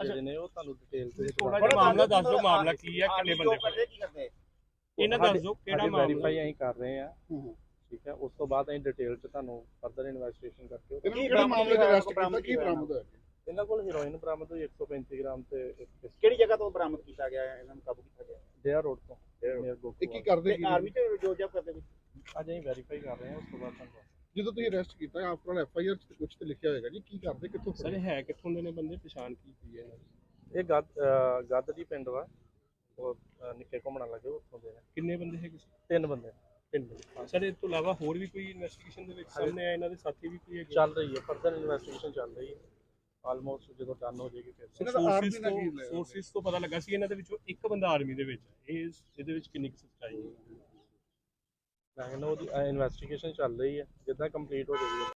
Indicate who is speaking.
Speaker 1: ਜਿਹੜੇ ਨੇ ਉਹ ਤੁਹਾਨੂੰ ਡਿਟੇਲ ਤੇ
Speaker 2: ਥੋੜਾ ਜਿਹਾ ਮਾਮਲਾ ਦੱਸ ਦਿਓ, ਮਾਮਲਾ ਕੀ ਹੈ, ਕਿੰਨੇ ਬੰਦੇ ਫੜੇ?
Speaker 3: ਕੀ ਕਰਦੇ
Speaker 2: ਇਹਨਾਂ ਦੱਸ ਦਿਓ ਕਿਹੜਾ ਮਾਮਲਾ।
Speaker 1: ਵੈਰੀਫਾਈ ਅਸੀਂ ਕਰ ਰਹੇ ਆ, ਠੀਕ ਹੈ। ਉਸ ਤੋਂ ਬਾਅਦ ਅਸੀਂ ਡਿਟੇਲ ਚ ਤੁਹਾਨੂੰ ਫਰਦਰ ਇਨਵੈਸਟੀਗੇਸ਼ਨ ਕਰਕੇ
Speaker 4: ਕਿਹੜੇ ਮਾਮਲੇ ਦੇ ਅਰੈਸਟ ਕੀਤਾ, ਕੀ ਬਰਾਮਦ ਹੋਇਆ?
Speaker 1: ਇਹਨਾਂ ਕੋਲ ਹੀਰੋਇਨ ਬਰਾਮਦ ਹੋਈ 135 ਗ੍ਰਾਮ ਤੇ
Speaker 3: ਕਿਹੜੀ ਜਗ੍ਹਾ ਤੋਂ ਬਰਾਮਦ ਕੀਤਾ ਗਿਆ ਹੈ, ਇਹਨਾਂ ਨੂੰ ਕਾਬੂ ਕੀਤਾ ਗਿਆ?
Speaker 1: ਡੇਅਰ ਰੋਡ ਤੋਂ।
Speaker 4: ਇਹ ਕੀ ਕਰਦੇ ਕੀ?
Speaker 3: ਆਰਮੀ ਚ ਜੋ ਜਬ ਕਰਦੇ ਵਿੱਚ
Speaker 1: ਅੱਜ ਅਸੀਂ ਵੈਰੀਫਾਈ ਕਰ ਰਹੇ ਹਾਂ, ਉਸ ਤੋਂ ਬਾਅਦ ਤੁਹਾਨੂੰ
Speaker 4: ਜਦੋਂ ਤੁਸੀਂ ਅਰੈਸਟ ਕੀਤਾ after all F I R ਚ ਕੁਝ ਤੇ ਲਿਖਿਆ ਹੋਏਗਾ ਜੀ, ਕੀ ਕਰਦੇ, ਕਿੱਥੋਂ
Speaker 2: ਸਰ
Speaker 4: ਫੜੇ?
Speaker 2: ਹੈ ਕਿੱਥੋਂ ਦੇ ਨੇ ਬੰਦੇ, ਪਛਾਣ ਕੀ ਹੋਈ ਹੈ?
Speaker 1: ਇਹ ਗੱਦ ਦੀ ਪਿੰਡ ਵਾ, ਉਹ ਨਿੱਕੇ ਘੁੰਮਣ ਲੱਗੇ ਉੱਥੋਂ ਦੇ ਨੇ।
Speaker 2: ਕਿੰਨੇ ਬੰਦੇ ਹੈਗੇ ਸੀ?
Speaker 1: 3 ਬੰਦੇ
Speaker 2: ਸਰ ਇਸ ਤੋਂ ਇਲਾਵਾ ਹੋਰ ਵੀ ਕੋਈ ਇਨਵੈਸਟੀਗੇਸ਼ਨ ਦੇ ਵਿੱਚ ਸਾਹਮਣੇ ਆਇਆ, ਇਹਨਾਂ ਦੇ ਸਾਥੀ ਵੀ ਕੋਈ ਹੈਗੇ?
Speaker 1: ਚੱਲ ਰਹੀ ਹੈ, ਫਰਦਰ ਇਨਵੈਸਟੀਗੇਸ਼ਨ ਚੱਲ ਰਹੀ ਹੈ। ਆਲਮੋਸਟ ਜਦੋਂ ਡਨ ਹੋ ਜਾਏਗੀ ਫਿਰ
Speaker 4: ਇਹਨਾਂ ਦਾ ਆਰਮੀ ਨਾਲ ਕੀ ਲਿਆ?
Speaker 2: ਸੋਰਸਿਸ ਤੋਂ ਪਤਾ ਲੱਗਾ ਸੀ ਇਹਨਾਂ ਦੇ ਵਿੱਚੋਂ ਇੱਕ ਬੰਦਾ ਆਰਮੀ ਦੇ ਵਿੱਚ ਹੈ। ਇਹਦੇ ਵਿੱਚ ਕਿੰਨੀ ਕੁ ਸੱਚਾਈ ਹੈ?
Speaker 1: ਮੈਂ ਕਹਿੰਦਾ ਉਹਦੀ ਇਨਵੈਸਟੀਗੇਸ਼ਨ ਚੱਲ ਰਹੀ ਹੈ, ਜਿੱਦਾਂ ਕੰਪਲੀਟ ਹੋ ਜਾਏਗੀ